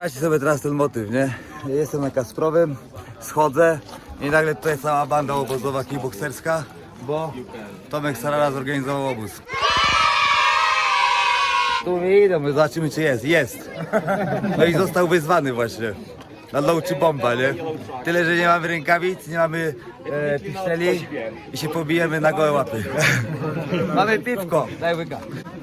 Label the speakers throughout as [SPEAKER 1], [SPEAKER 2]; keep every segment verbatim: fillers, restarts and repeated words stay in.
[SPEAKER 1] Zobaczcie sobie teraz ten motyw, nie? Jestem na Kasprowym, schodzę i nagle tutaj cała banda obozowa kickbokserska, bo Tomek Sarara zorganizował obóz. Tu nie idę, my zobaczymy czy jest. Jest! No i został wyzwany właśnie. Na low czy bomba, nie? Tyle, że nie mamy rękawic, nie mamy e, piszczeli i się pobijemy na gołe łapy. Mamy piwko, daj łyka.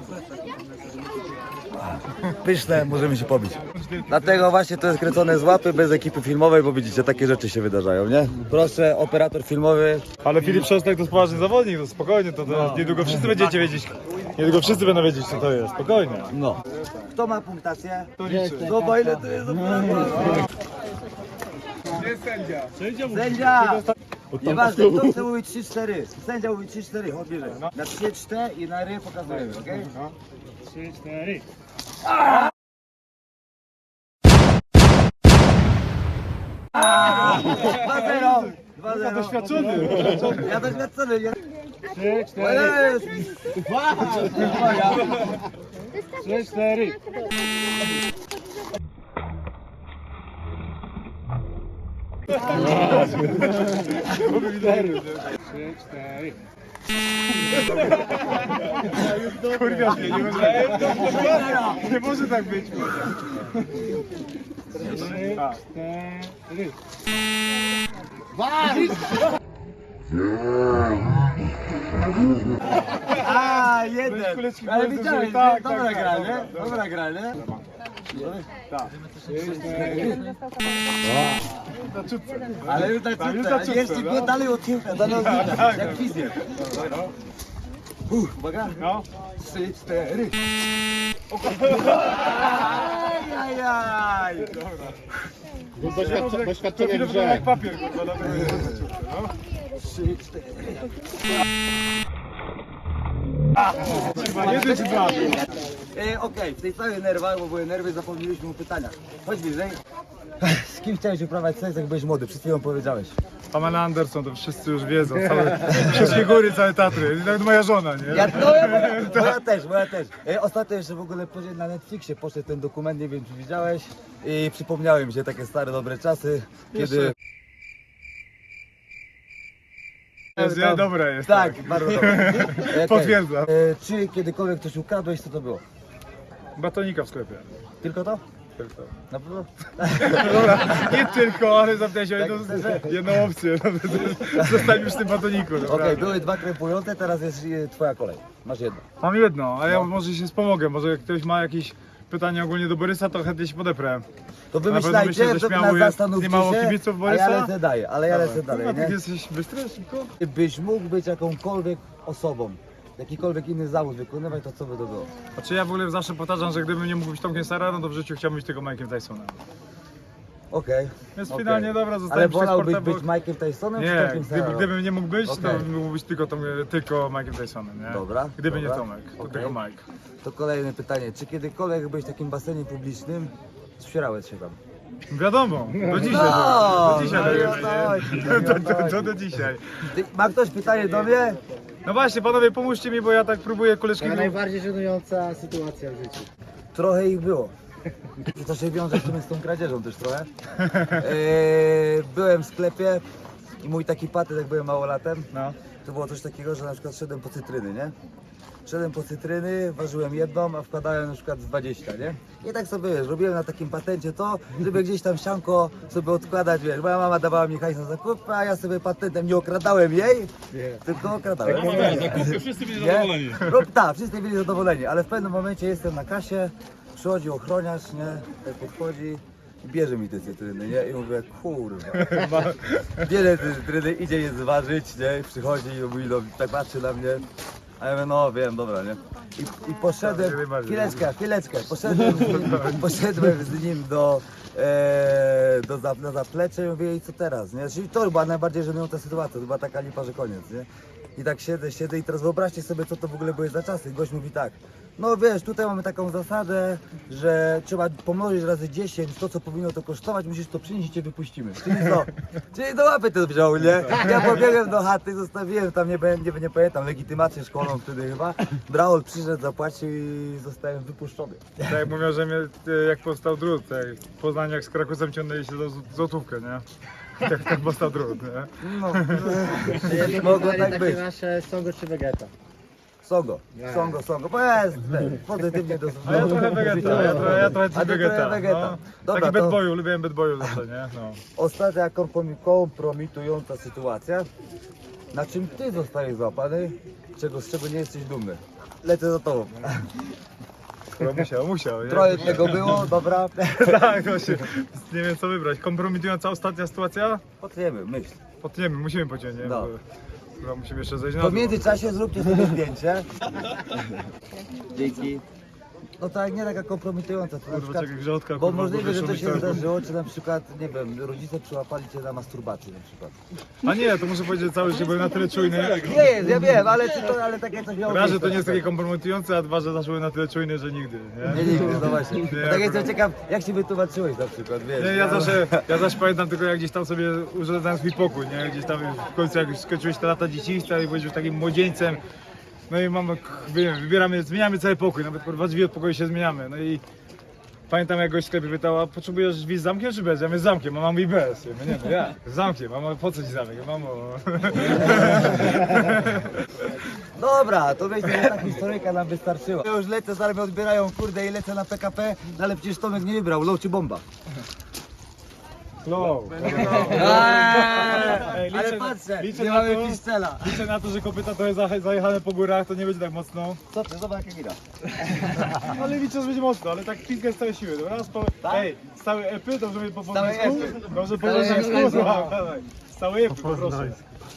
[SPEAKER 1] Pyszne, możemy się pobić. Dlatego właśnie to jest kręcone z łapy, bez ekipy filmowej, bo widzicie, takie rzeczy się wydarzają, nie? Proszę, operator filmowy.
[SPEAKER 2] Ale Filip Szostak to jest poważny zawodnik, to spokojnie, to, to
[SPEAKER 1] No.
[SPEAKER 2] niedługo wszyscy będziecie wiedzieć, niedługo wszyscy będą wiedzieć co to jest, spokojnie.
[SPEAKER 1] No. Kto ma punktację?
[SPEAKER 2] To liczy.
[SPEAKER 1] No bo ile to jest?
[SPEAKER 2] Gdzie jest sędzia? Sędzia
[SPEAKER 1] Sędzia! Nieważne, kto chce mówić trzy cztery. Sędzia mówi trzy cztery, chodź bliżej. Na trzy cztery i na ry pokazujemy, okej?
[SPEAKER 2] trzy cztery.
[SPEAKER 1] dwa zero! dwa
[SPEAKER 2] Ja
[SPEAKER 1] zero.
[SPEAKER 2] doświadczony.
[SPEAKER 1] Ja doświadczony. Ja...
[SPEAKER 2] trzy cztery.
[SPEAKER 1] Jest.
[SPEAKER 2] trzy cztery. trzy cztery. Kurwa, nie, nie może, nie może tak być. trzy cztery.
[SPEAKER 1] A, jeden.
[SPEAKER 2] Kuleczki
[SPEAKER 1] Ale
[SPEAKER 2] były
[SPEAKER 1] widziałeś,
[SPEAKER 2] duże, tak,
[SPEAKER 1] nie? Dobra
[SPEAKER 2] tak,
[SPEAKER 1] gra,
[SPEAKER 2] tak,
[SPEAKER 1] nie?
[SPEAKER 2] tak, tak.
[SPEAKER 1] Dobra gra, nie?
[SPEAKER 2] trzy cztery.
[SPEAKER 1] Ale już tak
[SPEAKER 2] Tak, już
[SPEAKER 1] czuć,
[SPEAKER 2] tak czuć,
[SPEAKER 1] jeszcze
[SPEAKER 2] no.
[SPEAKER 1] go dalej od tyłka, dalej od tyłka,
[SPEAKER 2] tak,
[SPEAKER 1] jak
[SPEAKER 2] tak.
[SPEAKER 1] fizjer. Uff, uwaga.
[SPEAKER 2] No.
[SPEAKER 1] Trzy, cztery. Ajajaj.
[SPEAKER 2] Doświadczenie, doświadczenie w grze. Jak papier, kurwa, na tym. No.
[SPEAKER 1] Trzy, cztery.
[SPEAKER 2] Jeden czy dwa?
[SPEAKER 1] E, Okej, w tej całej nerwach, bo były nerwy, zapomnieliśmy o pytaniach. Chodź bliżej. Z kim chciałeś uprawiać seks, jak byłeś młody? Przed chwilą powiedziałeś.
[SPEAKER 2] Pamela Anderson, to wszyscy już wiedzą. Całe, wszystkie góry, całe Tatry. Nawet moja żona, nie?
[SPEAKER 1] Ja, no, ja, moja też, moja też. E, ostatnio jeszcze w ogóle później na Netflixie poszedł ten dokument, nie wiem czy widziałeś. I przypomniały mi się takie stare, dobre czasy, kiedy...
[SPEAKER 2] Jeszcze. Jest, nie? Dobre jest.
[SPEAKER 1] Tak, bardzo dobre. E, okej.
[SPEAKER 2] Potwierdzam.
[SPEAKER 1] E, czy kiedykolwiek coś ukradłeś, co to było?
[SPEAKER 2] Batonika w sklepie.
[SPEAKER 1] Tylko to?
[SPEAKER 2] Tylko.
[SPEAKER 1] Na pewno?
[SPEAKER 2] Dobra, nie tylko, ale zapytałeś o jedną,
[SPEAKER 1] Tak,
[SPEAKER 2] jedną opcję. Zostań już w tym batoniku.
[SPEAKER 1] Okej,
[SPEAKER 2] naprawdę.
[SPEAKER 1] były dwa krępujące, teraz jest e, twoja kolej. Masz jedno.
[SPEAKER 2] Mam jedno, a ja może się wspomogę. Może jak ktoś ma jakieś pytanie ogólnie do Borysa, to chętnie się podeprę.
[SPEAKER 1] To
[SPEAKER 2] pewno
[SPEAKER 1] wymyślajcie,
[SPEAKER 2] myślę, że
[SPEAKER 1] to
[SPEAKER 2] śmiało
[SPEAKER 1] nas
[SPEAKER 2] jest.
[SPEAKER 1] zastanówcie
[SPEAKER 2] Nie mało
[SPEAKER 1] się,
[SPEAKER 2] kibiców
[SPEAKER 1] a
[SPEAKER 2] Borysa?
[SPEAKER 1] ja lecę daję, ale ja lecę dalej,
[SPEAKER 2] Kurwa, ty
[SPEAKER 1] nie?
[SPEAKER 2] jesteś bystry, szybko?
[SPEAKER 1] Gdybyś mógł być jakąkolwiek osobą, jakikolwiek inny zawód wykonywać, to co by to było?
[SPEAKER 2] Znaczy ja w ogóle zawsze powtarzam, że gdybym nie mógł być Tomkiem Sararą, to w życiu chciałbym być tylko Mike'em Tysonem.
[SPEAKER 1] Okej.
[SPEAKER 2] Więc
[SPEAKER 1] okej.
[SPEAKER 2] finalnie dobra,
[SPEAKER 1] Ale
[SPEAKER 2] zostałem przy
[SPEAKER 1] wolałbyś
[SPEAKER 2] sportem,
[SPEAKER 1] być
[SPEAKER 2] bo...
[SPEAKER 1] Mike'em Tysonem czy
[SPEAKER 2] Nie,
[SPEAKER 1] Tomkiem
[SPEAKER 2] gdyby,
[SPEAKER 1] Sararą?
[SPEAKER 2] gdybym nie mógł być,
[SPEAKER 1] Okej.
[SPEAKER 2] to bym mógł być tylko, Tom, tylko Mike'em Tysonem, nie?
[SPEAKER 1] Dobra,
[SPEAKER 2] Gdyby
[SPEAKER 1] dobra.
[SPEAKER 2] nie Tomek, to
[SPEAKER 1] Okej.
[SPEAKER 2] tylko Mike.
[SPEAKER 1] To kolejne pytanie. Czy kiedykolwiek byłeś w takim basenie publicznym, sprzierałeś się tam?
[SPEAKER 2] Wiadomo, do dzisiaj.
[SPEAKER 1] No,
[SPEAKER 2] do dzisiaj.
[SPEAKER 1] no i
[SPEAKER 2] tak
[SPEAKER 1] o
[SPEAKER 2] jest.
[SPEAKER 1] to chodzi, no i o
[SPEAKER 2] To,
[SPEAKER 1] to
[SPEAKER 2] to,
[SPEAKER 1] chodzi.
[SPEAKER 2] to do dzisiaj.
[SPEAKER 1] Ty, ma ktoś pytanie do mnie?
[SPEAKER 2] No właśnie, panowie, pomóżcie mi, bo ja tak próbuję koleżki...
[SPEAKER 3] Taka najbardziej żenująca sytuacja w życiu.
[SPEAKER 1] Trochę ich było. I to się wiąże w sumie z tą kradzieżą też trochę. Eee, byłem w sklepie i mój taki patent, jak byłem małolatem,
[SPEAKER 2] No.
[SPEAKER 1] to było coś takiego, że na przykład szedłem po cytryny, nie? Szedłem po cytryny, ważyłem jedną, a wkładałem na przykład z dwadzieścia, nie? I tak sobie, wiesz, robiłem na takim patencie to, żeby gdzieś tam sianko sobie odkładać, wiesz, moja mama dawała mi hajs na zakupy, a ja sobie patentem nie okradałem jej, tylko okradałem.
[SPEAKER 4] Zakupy wszyscy byli
[SPEAKER 1] Nie?
[SPEAKER 4] zadowoleni.
[SPEAKER 1] No, tak, wszyscy byli zadowoleni, ale w pewnym momencie jestem na kasie, przychodzi ochroniarz, nie? Tak podchodzi i bierze mi te cytryny, nie? I mówię, kurwa. Bierze te cytryny, idzie je zważyć, nie? Przychodzi i mówi, no, tak patrzy na mnie. A ja mówię, no wiem, dobra, nie? I, i poszedłem, chwileczkę, chwileczkę, poszedłem z nim, poszedłem z nim do, e, do za, na zaplecze i mówię, i co teraz, nie? Czyli to była najbardziej żenująca sytuacja, to była taka lipa, że koniec, nie? I tak siedzę, siedzę i teraz wyobraźcie sobie, co to w ogóle były za czasy. Gość mówi tak, no wiesz, tutaj mamy taką zasadę, że trzeba pomnożyć razy dziesięć, to co powinno to kosztować, musisz to przynieść i cię wypuścimy. Czyli co? Czyli do łapy to wziął, nie? Ja pobiegłem do chaty, zostawiłem tam, nie, nie, nie pamiętam, legitymację szkolną wtedy chyba. Braul przyszedł, zapłacił i zostałem wypuszczony.
[SPEAKER 2] Tak jak mówią, że mnie, e, jak powstał drut, tak, w Poznaniu jak z Krakusem ciągnęli się za z- złotówkę, nie? Tak, tak powstał drut, nie?
[SPEAKER 1] No,
[SPEAKER 3] Mogło
[SPEAKER 1] mogło
[SPEAKER 3] takie
[SPEAKER 1] tak być.
[SPEAKER 3] nasze songo czy vegeta.
[SPEAKER 1] Songo,
[SPEAKER 3] Nie.
[SPEAKER 1] songo, songo, bo jest ten, pozytywnie do
[SPEAKER 2] A ja trochę wegeta, ja trochę, ja trochę
[SPEAKER 1] A ty trochę
[SPEAKER 2] wegeta.
[SPEAKER 1] wegeta.
[SPEAKER 2] No.
[SPEAKER 1] Dobra,
[SPEAKER 2] Taki
[SPEAKER 1] to-
[SPEAKER 2] bad boyu, lubiłem bad boyu zawsze, nie? No.
[SPEAKER 1] Ostatnia kompromi- kompromitująca sytuacja, na czym ty zostajesz złapany, czego, z czego nie jesteś dumny. Lecę za tobą.
[SPEAKER 2] Skoro musiał, musiał, nie?
[SPEAKER 1] Trochę tego było, dobra.
[SPEAKER 2] Tak, właśnie. Nie wiem co wybrać. Kompromitująca ostatnia sytuacja?
[SPEAKER 1] Potniemy, myśl.
[SPEAKER 2] Potniemy, musimy pociąć, nie?
[SPEAKER 1] No.
[SPEAKER 2] Bo- Chyba musimy jeszcze zejść na
[SPEAKER 1] To w
[SPEAKER 2] dół.
[SPEAKER 1] międzyczasie zróbcie sobie zdjęcie. Dzięki. No tak, nie taka kompromitująca, to na
[SPEAKER 2] Kurwa,
[SPEAKER 1] przykład,
[SPEAKER 2] czekaj, grządka,
[SPEAKER 1] bo
[SPEAKER 2] kurwa,
[SPEAKER 1] możliwe, że to
[SPEAKER 2] wyszło
[SPEAKER 1] się
[SPEAKER 2] mi tak.
[SPEAKER 1] zdarzyło, czy na przykład, nie wiem, rodzice przyłapali cię na masturbacji na przykład.
[SPEAKER 2] A nie, to muszę powiedzieć cały, że byłem na tyle czujny.
[SPEAKER 1] Nie jest, ja wiem, ale czy to, ale takie coś miało
[SPEAKER 2] Raz, że
[SPEAKER 1] miejsce
[SPEAKER 2] to nie jest
[SPEAKER 1] na
[SPEAKER 2] takie
[SPEAKER 1] przykład.
[SPEAKER 2] kompromitujące, a dwa, że zawsze byłem na tyle czujny, że nigdy, nie?
[SPEAKER 1] Nie, nigdy, no właśnie.
[SPEAKER 2] Nie,
[SPEAKER 1] Bo tak jestem
[SPEAKER 2] akurat.
[SPEAKER 1] ciekaw, jak się wytłumaczyłeś na przykład, wiesz.
[SPEAKER 2] Nie, ja zawsze, ja zawsze pamiętam tylko jak gdzieś tam sobie urządzałem swój pokój, nie? Gdzieś tam w końcu jak już skończyłeś te lata dzieciństwa i byłeś już takim młodzieńcem. No i mamy, wiem, wybieramy, zmieniamy cały pokój, nawet kurwa drzwi od pokoju się zmieniamy. No i pamiętam jak gość w sklepie pytał, a potrzebujesz drzwi z zamkiem czy bez? Ja mówię z zamkiem, a mam mówi bez. Ja mówię, nie no jak? Z zamkiem, mamo, po co ci zamek? Ja, mamo...
[SPEAKER 1] Dobra, to wiecie, że ta historyjka nam wystarczyła. Ja już lecę, zaraz mnie odbierają, kurde, i lecę na P K P, no ale przecież Tomek nie wybrał, low czy bomba.
[SPEAKER 2] Slow. Ej,
[SPEAKER 1] Ale
[SPEAKER 2] liczę-
[SPEAKER 1] patrzę,
[SPEAKER 2] liczę
[SPEAKER 1] nie
[SPEAKER 2] na
[SPEAKER 1] mamy
[SPEAKER 2] to-
[SPEAKER 1] piszczela.
[SPEAKER 2] Liczę na to, że kopyta trochę zaje- zajechane po górach, to nie będzie tak mocno.
[SPEAKER 1] Co ty, zobacz jak gira.
[SPEAKER 2] Ale liczę, że będzie mocno, ale tak pizgę z całej siły. Dobra, raz po...
[SPEAKER 1] Tak?
[SPEAKER 2] Ej, z całej epy, dobrze mi po
[SPEAKER 1] Z całej
[SPEAKER 2] polsku?
[SPEAKER 1] epy.
[SPEAKER 2] Dobrze po
[SPEAKER 3] całej
[SPEAKER 2] polsku,
[SPEAKER 3] epy.
[SPEAKER 2] słucham, dawaj. Z całej epy, proszę.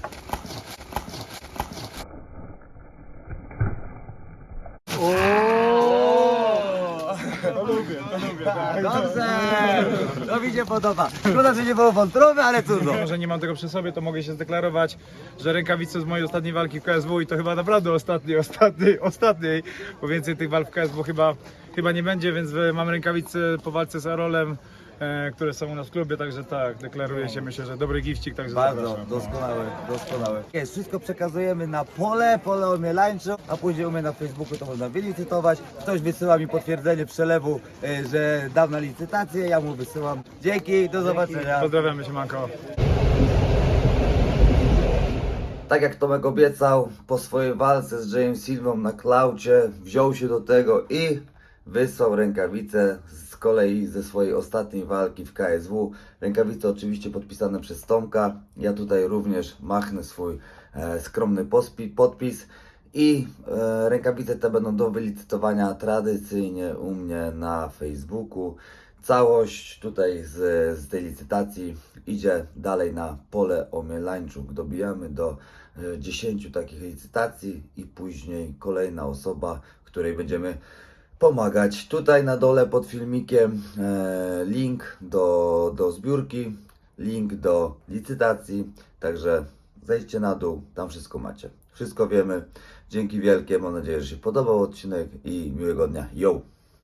[SPEAKER 2] To lubię, to lubię, tak.
[SPEAKER 1] Dobrze, to mi się podoba. Szkoda, że nie było wątroby, ale cudno.
[SPEAKER 2] Mimo, że nie mam tego przy sobie, to mogę się zdeklarować, że rękawice z mojej ostatniej walki w K S W i to chyba naprawdę ostatniej, ostatniej, ostatniej, bo więcej tych walk w K S W chyba, chyba nie będzie, więc e, mam rękawice po walce z Arolem, e, które są u nas w klubie, także tak, deklaruję się, myślę, że dobry gifcik, także
[SPEAKER 1] Bardzo
[SPEAKER 2] zapraszam. no.
[SPEAKER 1] doskonałe, doskonałe. Jest, wszystko przekazujemy na pole, pole omielańcze, a później u mnie na Facebooku to można wylicytować. Ktoś wysyła mi potwierdzenie przelewu, e, że dał na licytację, ja mu wysyłam. Dzięki, do zobaczenia.
[SPEAKER 2] Pozdrawiamy się, Manko.
[SPEAKER 1] Tak jak Tomek obiecał, po swojej walce z Jayem Silvą na klaucie wziął się do tego i wysłał rękawice z kolei ze swojej ostatniej walki w K S W. Rękawice oczywiście podpisane przez Tomka. Ja tutaj również machnę swój e, skromny pospi, podpis. I e, rękawice te będą do wylicytowania tradycyjnie u mnie na Facebooku. Całość tutaj z, z tej licytacji idzie dalej na pole omielańczuk. Dobijamy do e, dziesięciu takich licytacji i później kolejna osoba, której będziemy pomagać. Tutaj na dole pod filmikiem e, link do, do zbiórki, link do licytacji, także zejdźcie na dół, tam wszystko macie. Wszystko wiemy. Dzięki wielkie, mam nadzieję, że się podobał odcinek i miłego dnia. Yo!